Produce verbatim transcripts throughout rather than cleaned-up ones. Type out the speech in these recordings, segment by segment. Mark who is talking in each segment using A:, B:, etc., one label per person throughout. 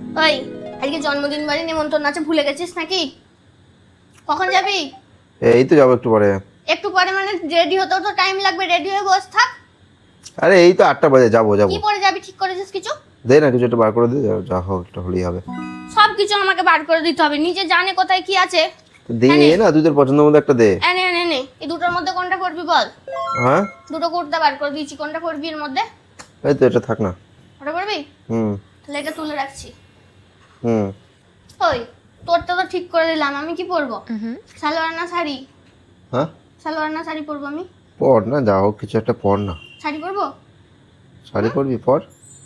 A: ওই আজকে জন্মদিন বাড়ি নিমন্ত্রণ আছে, ভুলে গেছিস নাকি? কখন যাবি?
B: এই তো যাবো একটু পরে।
A: একটু পরে মানে রেডি হতেও তো টাইম লাগবে, রেডি হয়ে বস থাক।
B: আরে এই তো আটটা বাজে, যাবো যাবো।
A: কি পরে যাবি ঠিক করেছিস কিছু?
B: দে না কিছু একটা বার করে দে, যা- যা হোক একটা হলেই হবে।
A: সব কিছু আমাকে বার করে দিতে হবে, নিজে জানে কোথায় কি আছে।
B: দে না, তুই তোর পছন্দের মধ্যে একটা দে।
A: এনে এনে নে, এই দুটোর মধ্যে কোনটা করবি বল?
B: হ্যাঁ
A: দুটো কুর্তা বার করে দিয়েছি, কোনটা করবি এর মধ্যে?
B: এই তো এটা থাক না।
A: ওটা করবি?
B: হুম
A: তাহলে এটা তুলে রাখছি।
B: হুম
A: ওই তোরটা তো ঠিক করে দিলাম, আমি কি পরবো? সালোয়ার না শাড়ি?
B: হ্যাঁ
A: সালোয়ার না শাড়ি পরবো আমি?
B: পর না, যা হোক কিছু একটা পর না।
A: শাড়ি পরবো?
B: শাড়ি পরবি? পর।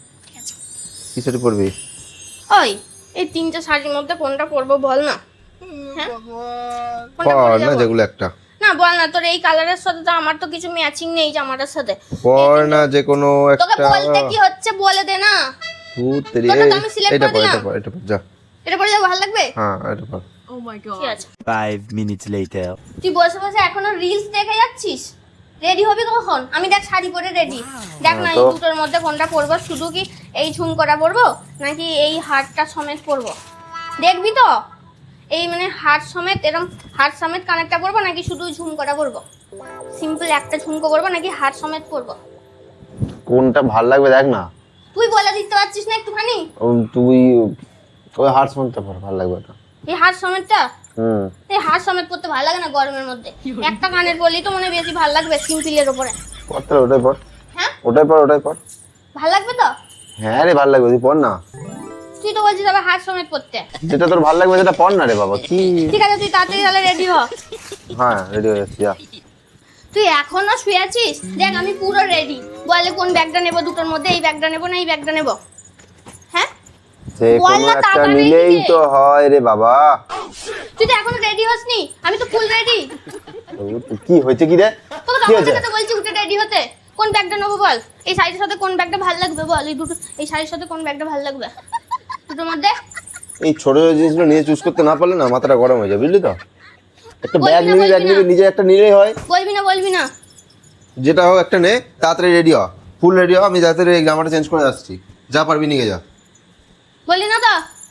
B: কি শাড়ি পরবি?
A: ওই এই তিনটে শাড়ির মধ্যে কোনটা পরবো বল না? হ্যাঁ? কোনটা
B: পর
A: পরে
B: না
A: যাবো?
B: যেগুলো একটা।
A: না বল না, তোর এই কালারের সাথে তো আমার তো কিছু ম্যাচিং নেই জামাটার সাথে।
B: পর না যে কোনো
A: তোকে
B: একটা।
A: বলতে কি হচ্ছে বলে দে না।
B: ভূত তেরি।
A: তোরটা তো আমি select
B: এটা
A: করে
B: পর,
A: দিলাম।
B: এটা পর, এটা পর, যা।
A: এটা পরে যাবো, ভালো লাগবে?
B: হ্যাঁ এটা পর।
A: ঠিক আছে।
C: Five minutes later.
A: তুই বসে বসে এখনো রিলস দেখে যাচ্ছিস? রেডি হবি কখন? আমি দেখ শাড়ি পরে রেডি। দেখ না এই
B: তো-
A: দুটোর মধ্যে কোনটা পরবো, শুধু কি এই ঝুমকোটা পরবো নাকি এই হারটা সমেত পরবো? দেখবি তো এই মানে হার সমেত, এরকম হার সমেত কানেরটা পরবো নাকি শুধু ঝুমকোটা পরবো? সিম্পল একটা ঝুমকো পরবো নাকি হার সমেত পরবো?
B: কোনটা ভাল লাগবে দেখ না।
A: তুই বলে দিতে পারছিস না একটুখানি?
B: তুই ওই হার্ট সঙ্গটা পর, ভাল লাগবে এটা।
A: এই হার সমেতটা,
B: হুম
A: এই হার সমেত পরতে ভালো লাগে না গরমের মধ্যে। একটা কানের পরলেই তো মনে হয় বেশি ভালো লাগবে সিম্পলের উপরে।
B: পর তাহলে ওটাই পর।
A: হ্যাঁ
B: ওটাই পর, ওটাই পর।
A: ভালো লাগবে তো?
B: হ্যাঁ রে ভাল লাগবে, তুই পর না।
A: তুই তো বলছিস আবার হার সমেত পরতে।
B: যেটা তোর ভাল লাগবে সেটা পর না রে বাবা, কি।
A: ঠিক আছে তুই তাড়াতাড়ি তাহলে রেডি হ।
B: হ্যাঁ রেডি হয়ে যাচ্ছি, যা।
A: তুই এখনো শুয়ে আছিস? দেখ আমি পুরো রেডি। বলে কোন ব্যাগটা নেবো দুটোর মধ্যে, এই ব্যাগটা নেবো না এই ব্যাগটা নেবো? হ্যাঁ
B: যে
A: বল
B: কোনো
A: না,
B: একটা
A: তাড়াতাড়ি
B: নিলেই
A: দিকে।
B: তো হয় রে বাবা।
A: তুই তো এখনো রেডি হসনি, আমি তো ফুল রেডি।
B: কি হয়েছে কি রে?
A: তোকে
B: কি
A: তখন
B: হয়েছে?
A: থেকে তো বলছি উঠে রেডি হতে। কোন ব্যাগটা নেবো বল? এই শাড়ির সাথে কোন ব্যাগটা ভালো লাগবে বল? এই দুটো, এই শাড়ির সাথে কোন ব্যাগটা ভালো লাগবে দুটোর মধ্যে?
B: এই ছোট ছোট জিনিসগুলো নিয়ে চুজ করতে না পারলে না মাথাটা গরম হয়ে যায়, বুঝলি তো। একটা
A: বলবি
B: ব্যাগ
A: না,
B: নিবি,
A: বলবি
B: ব্যাগ
A: না।
B: নিবি, নিজে একটা নিলেই হয়।
A: বলবি না বলবি না।
B: যেটা হোক একটা নে, তাড়াতাড়ি রেডি হ, ফুল রেডি হ। আমি তাড়াতাড়ি এই জামাটা চেঞ্জ করে আসছি, যা পারবি নিয়ে যা।
A: বললি না তো?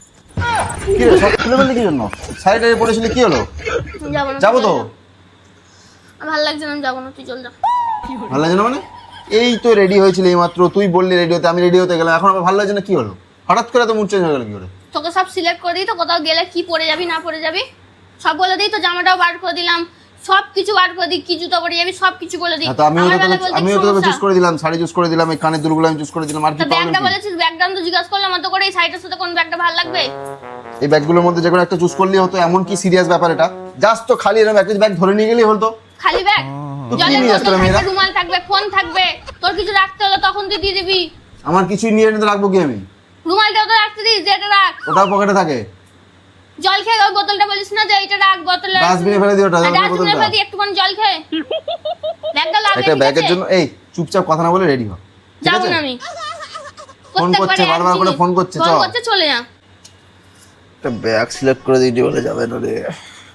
B: কি রে সব খুলে বললি কি জন্য? শাড়িটা পরেছিলি কি হলো?
A: যাবো না,
B: যাবো
A: তুই
B: তো।
A: চল যা। আমার ভালো লাগছে না, আমি যাবো না, তুই চল যা।
B: ভালো লাগছে না মানে? এই তো রেডি হয়েছিল এই মাত্র, তুই বললি রেডি হতে, আমি রেডি হতে গেলাম, এখন আবার ভালো লাগছে না কি হলো? হঠাৎ করে তো মুড চেঞ্জ হয়ে গেল কি করে?
A: তোকে সব সিলেক্ট করে দিই তো, কোথাও গেলে কি পরে যাবি না পরে যাবি সব বলে দিই তো। জামাটাও বার করে দিলাম, সব কিছু বার করে দিই, কি জুতো পরে যাবি সব কিছু বলে দিই।
B: হ্যাঁ, তো আমিও
A: আমার
B: তো
A: বেলা
B: তোকে-
A: বলতে
B: আমিও
A: কি
B: তো
A: সমস্যা?
B: চুজ করে দিলাম, শাড়ি চুজ করে দিলাম, এই কানের দুলগুলো আমি চুজ করে দিলাম, আর কি
A: তো ব্যাগটা
B: প্রবলেম?
A: বলেছিস, ব্যাগটা তো জিজ্ঞাসা করলাম অত করে, এই শাড়িটার সাথে কোন ব্যাগটা ভালো লাগবে?
B: এই ব্যাগগুলোর মধ্যে যে কোনো একটা চুজ করলেই হতো, এমন কি সিরিয়াস ব্যাপার এটা? জাস্ট তো খালি এরকম একটা ব্যাগ ধরে নিয়ে গেলেই হতো।
A: খালি ব্যাগ?
B: তো কি
A: জলের
B: নিয়ে
A: বোতল
B: আসতো
A: থাকবে,
B: মেয়েরা?
A: রুমাল থাকবে, ফোন থাকবে, তোর কিছু রাখতে হলো তখন তুই দিয়ে দিবি।
B: আমার কিছুই নিয়ে এনে তো রাখবো কি আমি?
A: রুমালটাও তো রাখতে দিস, যেটা রাখ।
B: ওটাও পকেটে থাকে।
A: জল খেয়ে ওই বোতলটা বলিস না যে এইটা রাখ বোতলে।
B: ডাস্টবিনে ফেলে দিও ওটা, জলের
A: ডাস্টবিনে
B: বোতলটা।
A: ফেলে দিই একটুখানি জল খেয়ে। ব্যাগটা লাগে
B: একটা
A: ঠিক
B: ব্যাগের
A: আছে?
B: জন্য এই চুপচাপ কথা না বলে রেডি হ, ঠিক
A: যাবো
B: আছে?
A: না আমি।
B: ফোন
A: প্রত্যেকবারে
B: করছে,
A: এক
B: বারবার করে
A: জিনিস।
B: ফোন করছে,
A: ফোন
B: চল।
A: করছে, চলে যা।
B: একটা ব্যাগ সিলেক্ট করে দিতে বলে যাবে না রে।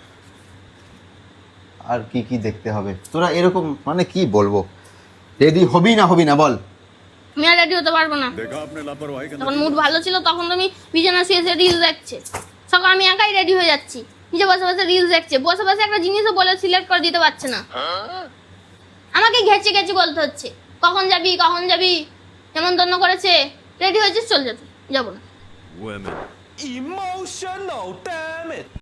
B: আর কি কি দেখতে হবে তোরা এরকম, মানে কি বলবো, রেডি হবি না হবি না বল?
A: আমি আর রেডি হতে পারবো না। তখন মুড ভালো ছিল, তখন তুমি বিছানা শুয়ে শুয়ে রিলস দেখছে। সকাল আমি একাই রেডি হয়ে যাচ্ছি, নিজে বসে বসে রিলস দেখছে, বসে বসে একটা জিনিসও বলে সিলেক্ট করে দিতে পারছে না। আমাকে ঘেঁচে ঘেঁচে বলতে হচ্ছে কখন যাবি কখন যাবি, নেমন্তন্ন করেছে, রেডি হয়েছিস চল যেতে। যাবো না।
C: Women. Emotional, damn it.